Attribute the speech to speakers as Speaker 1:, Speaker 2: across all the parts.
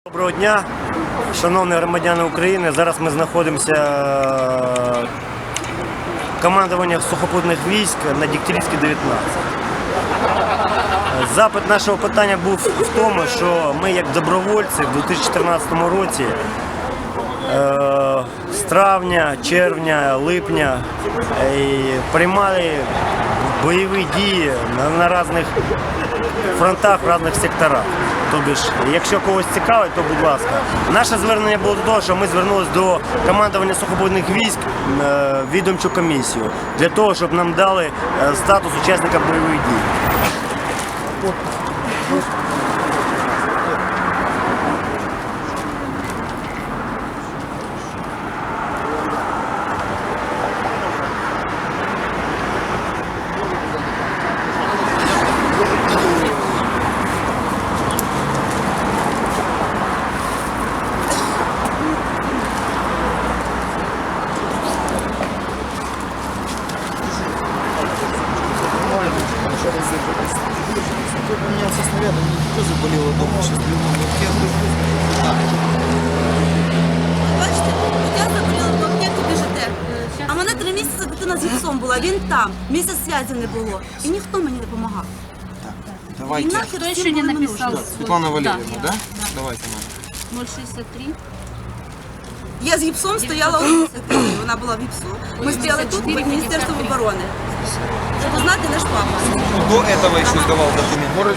Speaker 1: Доброго дня, шановні громадяни України. Зараз ми знаходимося в командуванні сухопутних військ на Дегтярівській, 19. Запит нашого питання був в тому, що ми як добровольці в 2014 році з травня, червня, липня приймали бойові дії на різних фронтах, в різних секторах. Тобто, якщо когось цікавить, то будь ласка. Наше звернення було до того, що ми звернулися до командування сухопутних військ відомчу комісію для того, щоб нам дали статус учасника бойових дій.
Speaker 2: Поменялся снаряд, у меня тоже заболело дома, сейчас
Speaker 3: Бачите, я заболіла в пакету ДЖТ, а мене 3 місяці дитина з гіпсом була, він там, місяць зв'язку не було, і ніхто мені не допомагав. І
Speaker 2: Давайте.
Speaker 3: нахер
Speaker 4: Кто
Speaker 3: всім
Speaker 4: еще не
Speaker 3: було не
Speaker 4: написал?
Speaker 3: нужно.
Speaker 2: Светлана Валерьевна,
Speaker 4: Да.
Speaker 2: да? Давайте, Маша.
Speaker 4: 063.
Speaker 3: Я з гіпсом стояла у місяці, вона була в гіпсу. Ми стояли тут, під Міністерством оборони. Щоб узнати наш папа.
Speaker 2: До этого еще сдавал документ.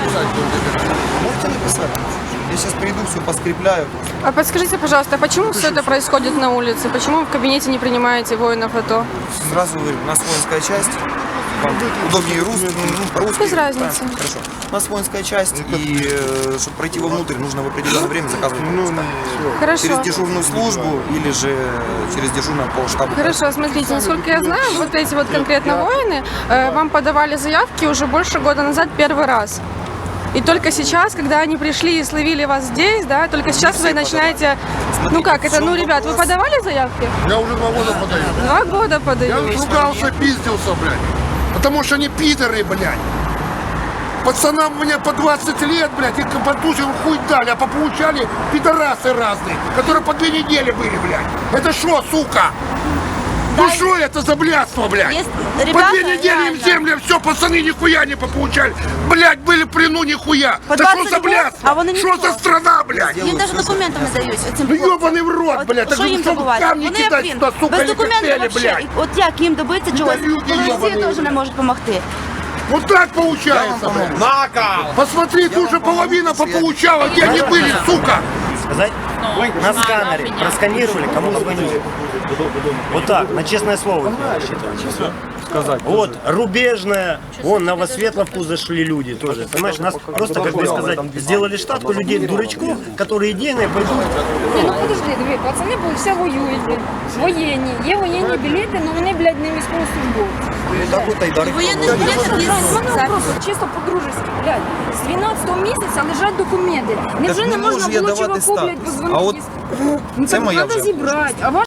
Speaker 2: Можете написать? Я сейчас приду, все поскрепляю.
Speaker 5: А подскажите, пожалуйста, почему все это происходит на улице? Почему вы в кабинете не принимаете воинов АТО?
Speaker 2: Сразу говорю, у нас воинская часть. Вам удобнее русский, по-русски.
Speaker 5: Без разницы.
Speaker 2: Хорошо. У нас воинская часть, и чтобы пройти вовнутрь, нужно в определенное время заказывать пропуска.
Speaker 5: Хорошо.
Speaker 2: Через дежурную службу или же через дежурного полштаба.
Speaker 5: Хорошо, смотрите, насколько я знаю, вот эти вот конкретно воины вам подавали заявки уже больше года назад первый раз. И только сейчас, когда они пришли и словили вас здесь, да, только сейчас вы начинаете... Ну как это, ну, ребят, вы подавали заявки?
Speaker 6: Я уже 2 года подаю.
Speaker 5: 2 года
Speaker 6: Я
Speaker 5: подаю.
Speaker 6: ругался, пиздился, блядь. Потому что они пидоры, блядь. Пацанам мне по 20 лет, блядь, и подтусил хуй дали, а пополучали пидорасы разные, которые по 2 недели были, блядь. Это что, сука? Ну что это за блядство, блядь?
Speaker 3: Есть
Speaker 6: По 2
Speaker 3: ребята,
Speaker 6: недели им
Speaker 3: реально.
Speaker 6: земля, все, пацаны нихуя не пополучали. Блядь, были в плену нихуя.
Speaker 3: По
Speaker 6: Да
Speaker 3: 20
Speaker 6: что за
Speaker 3: лет,
Speaker 6: блядство?
Speaker 3: а вони
Speaker 6: Что
Speaker 3: ніхто.
Speaker 6: за страна, блядь?
Speaker 3: Їм навіть документи не дають. Цим
Speaker 6: Ну
Speaker 3: хлопцям.
Speaker 6: ёбаный в рот,
Speaker 3: От
Speaker 6: блядь.
Speaker 3: що
Speaker 6: Так
Speaker 3: їм
Speaker 6: что
Speaker 3: добувати?
Speaker 6: камни
Speaker 3: Вони як
Speaker 6: кидать
Speaker 3: він,
Speaker 6: сюда, сука,
Speaker 3: без
Speaker 6: или
Speaker 3: документів
Speaker 6: коктейли,
Speaker 3: вообще.
Speaker 6: блядь.
Speaker 3: От як їм добитися чогось,
Speaker 6: люди
Speaker 3: коли Росія
Speaker 6: ёбаные.
Speaker 3: теж не може допомогти.
Speaker 6: Вот так получается, блядь. Посмотри, ты уже половина пополучала, где они были, сука.
Speaker 1: Сказать? На сканере просканировали, кому звонили. Вот так, на честное слово. Сказать. Вот, Рубежная, вон, Новосветловку зашли люди тоже. Понимаешь, нас просто, как бы сказать, сделали штатку людей, дурачков, которые идейные пойдут.
Speaker 7: Ну подожди, диви, пацани все воюють, блін. Воєнні. Є воєнні білети, але вони, блядь, не військовослужбовці.
Speaker 2: Так вот Айдар.
Speaker 3: Воєнних білетів є.
Speaker 7: Просто чисто по-дружески, блядь. З 12-го місяця лежать документи. Невже
Speaker 2: не
Speaker 7: не можна
Speaker 2: можу я
Speaker 7: було
Speaker 2: давати
Speaker 7: чуваку, блядь,
Speaker 2: статус.
Speaker 7: позвонити?
Speaker 2: А от
Speaker 7: Ну
Speaker 2: це
Speaker 7: так
Speaker 2: моя
Speaker 7: треба
Speaker 2: вже.
Speaker 7: зібрати. А